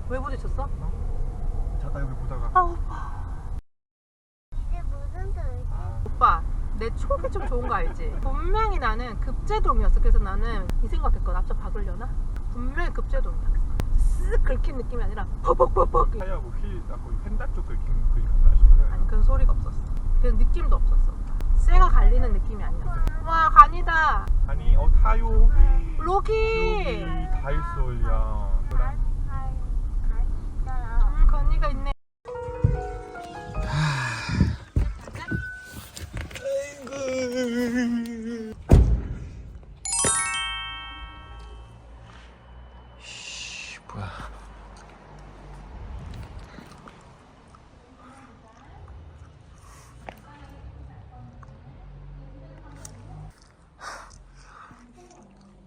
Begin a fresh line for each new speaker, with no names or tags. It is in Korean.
왜 부딪혔어?
잠깐 여기 보다가.
아 오빠.
이게 무슨 뜻이지?
오빠 내 촉이 좀 좋은 거 알지? 분명히 나는 급제동이었어. 그래서 나는 이 생각했거든. 앞서 박으려나? 분명히 급제동이야. 쓱 긁힌 느낌이 아니라 퍽퍽퍽퍽.
타이하고 휠 거의 펜다 쪽 긁힌 그게 갔나 싶어요.
아니 그런 소리가 없었어. 그런 느낌도 없었어. 쇠가 갈리는 느낌이 아니었어. 와 간이다.
아니 타요.
로기.
다 있어 야.
건이가 있네.
뭐야?